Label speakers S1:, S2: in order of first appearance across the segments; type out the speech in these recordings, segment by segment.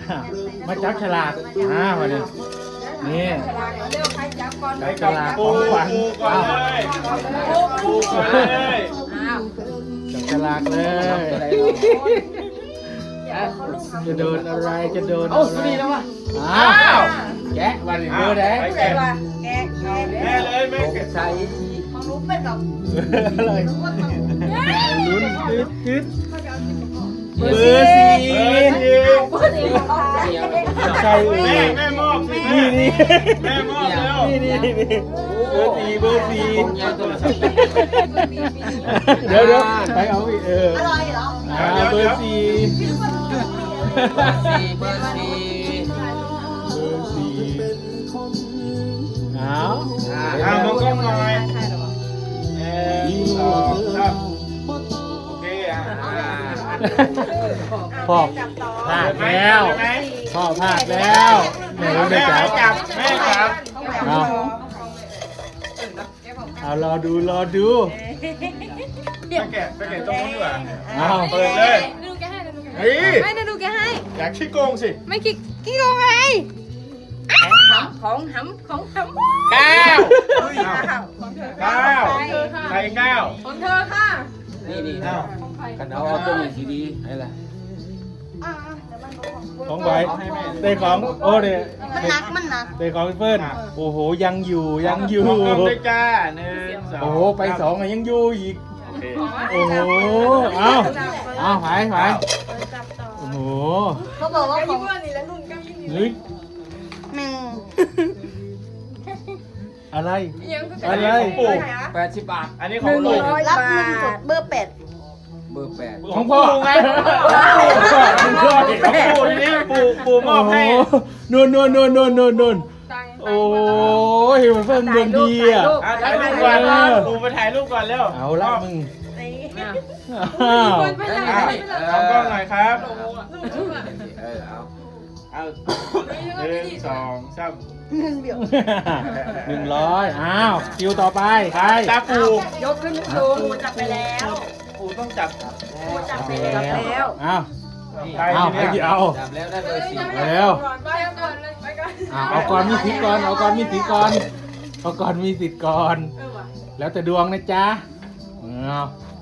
S1: มาจับฉลากวันนี้นี่
S2: เร็วใครจับก่อน
S1: จับฉลากของขวัญ
S3: ก่อนเลยปูก่อนเลย
S1: จับฉลากเลยจะโดนอะไรจะโดนอะไรนี่แล้ววะอ้าวแกะวันนี้เบอร์แดง
S2: แกะแกะ
S3: แม่เลยแม่แกะ
S1: ใส่
S2: ของรู้เป็นแบบ
S1: เลยลุ้นตึ๊ดเบอร์
S3: เบอร์
S1: สี่
S2: เบอร์สี่
S1: ใช่เอ
S3: แม่มอบสิ
S1: นี่
S3: แม่มอบแล้ว
S1: นี่เบอร์สี่เดี๋ยวไปเอาอีก
S2: อร่อยเหรอ
S1: เบอร์สี่เอา
S3: มองกล้องหน่อยสองสามโอเค
S1: พ่อพลาดแล้วพ่อพลาดแล้วแม่ไม่จับ
S3: แม่จับ
S1: เอารอดู
S3: ไปแกะตรงนู้นดีกว่า
S1: เอา
S3: เปิดเลย
S2: ดูแกให้ดูแก
S3: เฮ้ย
S2: ไม่ได้ดูแกให้
S3: อยากขี้โกงสิ
S2: ไม่กี่โกงไงของหำ
S3: เก้า
S2: ของเธอ
S3: เก้าใครเก้า
S2: ของเธอค่ะ
S4: นี่
S3: เอ้า
S4: กันเอาตัวนี้สีดีอะไรล่ะ
S1: ของไว้ได้ของโอ้เนี่ย
S2: มันหนัก
S1: ได้ของเฟิร์นโอ้โหยังอยู่
S3: มองกล้องด้วยจ้าหนึ่งสอง
S1: โอ้โหไปสองยังอยู่อีก
S3: โอเค
S1: โอ้โหเอาไปโอ้โห
S2: เขาบอกว่าของ
S1: เฮ้ยอะไรอะไร
S3: ปู่
S4: 80 บาท
S3: อันนี้ของลุง
S2: รับเงินสดเบอร์
S4: เบอร์ 8
S1: ของพ่อ
S3: ไง
S1: ของพ่อ
S3: ปู่นี่ปู่มอบให้
S1: นู่นโอ้ยมันเพิ่มเงินดีอ่ะ
S3: ถ่ายรูปก่อนปู่ไปถ่ายรูปก่อนเร็ว
S1: เอาละมึง
S3: อ้าว
S1: อ้าว
S3: มองกล้องหน่อยครับ
S4: เอา
S3: เอาหนึ่งสองสาม
S1: 100อ้าวคิวต่อไปใคร
S3: ตาปู่
S2: ยกขึ้นสูงจับไปแล้ว
S3: ปู่ต้องจับ
S2: จับไปแล้ว
S1: อ้าว
S3: ใคร
S1: เอา
S3: ที
S1: ให้
S3: เนี้
S1: กี่
S3: ย
S1: เอา
S4: จับแล้วได้เบอร์ 4
S1: เร็ว เอาก่อนมีสิทธิ์ก่อนเอาก่อนมีสิทธิ์ก่อนเอาก่อนมีสิทธิ์ก่อน แล้วแต่ดวงนะจ๊ะเอา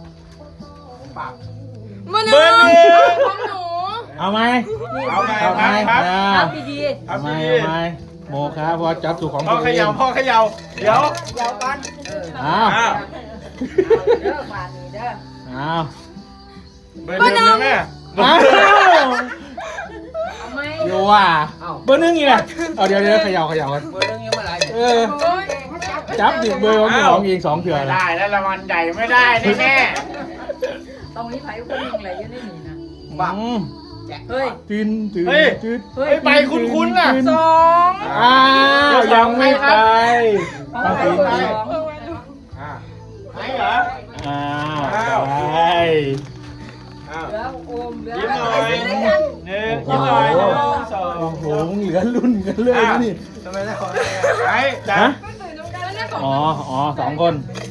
S2: มา
S3: เบอร์หนึ่ง
S2: ของหนู
S1: เอาไหม
S3: เอาไง
S1: เอาไหม
S3: ครับ
S1: เอา
S2: ดี
S1: เอาไหมโมครับพอจับถูกของ
S3: พ่อ
S1: ตัว
S3: เข
S1: เอง
S3: ย่าพ่อเขย่าเดี๋ยว
S2: เดี๋ยวก่อน
S1: อ้าว
S3: อ้าว
S2: เด้อบาทนี้เด้อ
S1: อ้าว
S3: เบอร์หนึ่งนะแม่
S1: อ้าว
S2: เอาไหม
S1: โยว่าเบอร์หนึ่งอีกแหละเอาเดี๋ยวเขย่ากัน
S4: เบอร์นึงยังไม่ไร
S1: เออจับดิเบอร์ของของเอง2เถื่อ
S3: ไม่
S1: ละ
S3: ได้แล้วรางวัลใหญ่ไม่ได้แน่
S2: ตรงนี้ไผ่คนหนึ่งอะไรยังไม่มีนะ
S1: อืม
S2: เฮ้ย
S1: จืน
S3: เฮ้ยไปคุ้นๆน่ะ
S2: สอง
S1: อ้าวยังไม่ไปต้อง
S2: ไป
S1: ตี
S2: สอง
S3: ไหนเหรอ
S1: อ้าวไป
S3: อ้าว
S2: เหลือโอมเหลือ
S3: ยิ้มหน่อยหนึ่งยิ้มหน่อยหนึ่งสอง
S1: โอ้โหเหลือรุ่นกันเลยนะนี่
S3: ทำไมได้ของไหนจ้ะ
S1: ฮะอ๋อ2 คน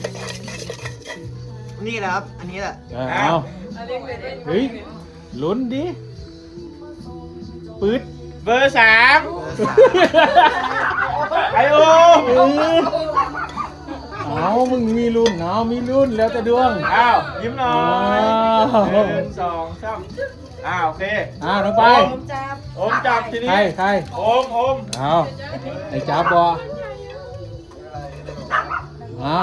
S5: นี่แหละครับ อันนี้แหละ
S1: เอาเฮ้ยลุ้นดิปื๊ด
S3: เบอร์สามไอโอ
S1: เอามึงมีรุ่นเอามีรุ่นแล้วแต่ดวง
S3: อ้าวยิ้มหน่อย
S1: อ้าว
S3: หนึ่งสองสามโอเค
S1: อ้าวน้องไป
S3: โอมจับทีนี้
S1: ใคร
S3: โอม
S1: เอาไอ้จ้าบอเอา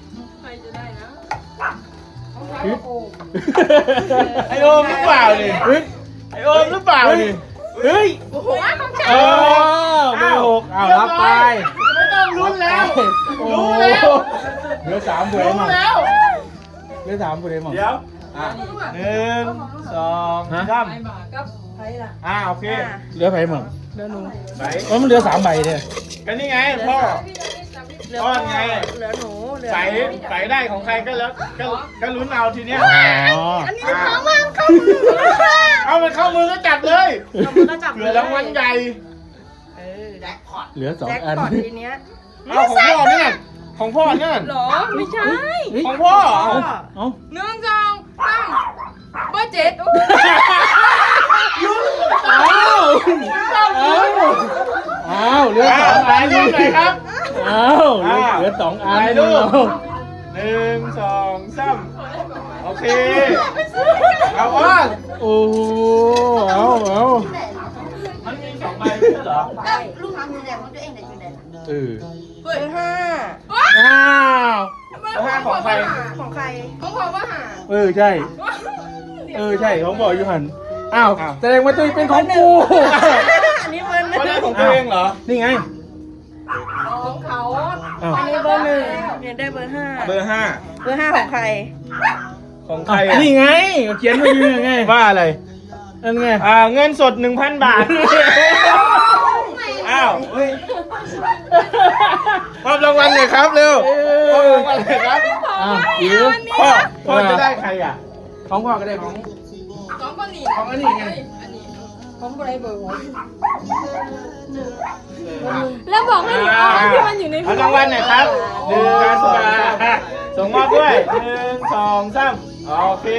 S1: ปึ๊ด
S3: ไอโอมหรือเปล่านี่
S1: ปึ๊ด
S3: ไอโอมหรือเปล่านี่
S1: เฮ้ย
S2: หัวของฉัน
S1: เออเบอร์6เอารับไป
S3: ไม่ต้องลุ้นแล้ว
S1: โอ้
S3: รู้แล้ว
S1: เหลือ3ผู้ใด
S3: รู้
S1: มั่ง
S3: แล้ว
S1: เหลือ3ผู้ใดมั่ง
S3: เดี๋ยวหนึ่งสองสาม
S2: กับไผ่ล่ะ
S3: โอเค
S1: เหลือไผมั่ง
S3: ไหน
S1: มันเหลือ3ใบเนี่ย
S3: ก็นี่ไงพ่อก้อนไง
S2: เหลือหนูเหลือ
S3: ใส่ได้ของใครก็แล้วก็ลุ้นเอาทีเนี้ย
S1: อ๋อ
S2: อันนี้มันของมันเข้ามือ
S3: เอามันเข้ามือก็จับเลย
S2: เอามือก็จับ
S3: เผื่อรางวัลใหญ่
S1: เหลือ2
S2: แจ็ค
S1: อัน
S2: พอตทีเนี้ย
S3: เอาของพ่อเนี่ยของพ่อเนี่ย
S2: หรอไม่ใช่
S1: เฮ้ย
S3: ของพ่อ
S1: เอ้า
S2: 1 2 3เบอร์7
S1: อ้าวลือสองอัน
S3: ถ่ายรูปหน่อยครับ
S1: เอาเหลือสองอัน
S3: ถ่ายรูป
S1: เอา
S3: 1 2 3โอเคเอาว่า
S1: โอ้โหเอา
S3: มันมี2ใบไม่ใช่เหรอ
S2: ลูกทำอยู่ไหนของตัวเองไหนอยู่ไหน
S1: เออ
S2: เบอร์ห้า
S1: อ้าว
S3: ห้าของใคร
S2: ของใคร
S1: เออใช่ของบอกอยู่หันอ้าวแสดงว่าตัวเองเป็นของกู
S2: อันนี้เบอร์หนึ่ง
S3: ไม่ได้ของตัวเองเหรอ
S1: นี่ไง
S2: ของเขา
S1: อ้าว
S2: อันนี้เบอร์หนึ่งเนี่ยได้เบอร์ห้า
S3: เบอร์
S2: เบอร์ห้าของใคร
S3: 5ของใคร
S1: อ้าวนี่ไงเขียนมาอยู่ยังไง
S3: ว่าอะไร
S1: นั่นไง
S3: เงินสด 1,000 บาท อ้าวมอบรางวัลเลยครับเร็วมอบรางวัลเลยครับ
S1: อ้าวอิ๋ว
S3: พ่อจะได้ใครอ่ะ
S1: ของพ่อก็ได้ของ ของอันนี้ไง
S2: แล้วบอกให้หนูเอาที่มันอยู่ใน
S3: เอารางวัลหน่อยครับ1,000 บาทส่งมอบด้วย1 2 3โอเค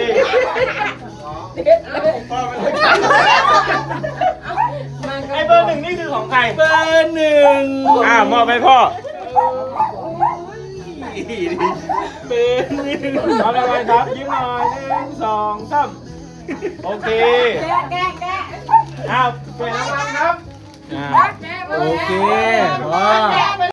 S3: ไอ้เบอร์ 1นี่คือของใคร
S1: เบอร์หนึ่ง
S3: มอบให้พ่อ
S1: เบอร์หนึ่ง
S3: เอารางวัลครับยิ้มหน่อย1 2 3โอเคอ้าวเปลี่ยนรางวัลครับ
S1: โอเคว้า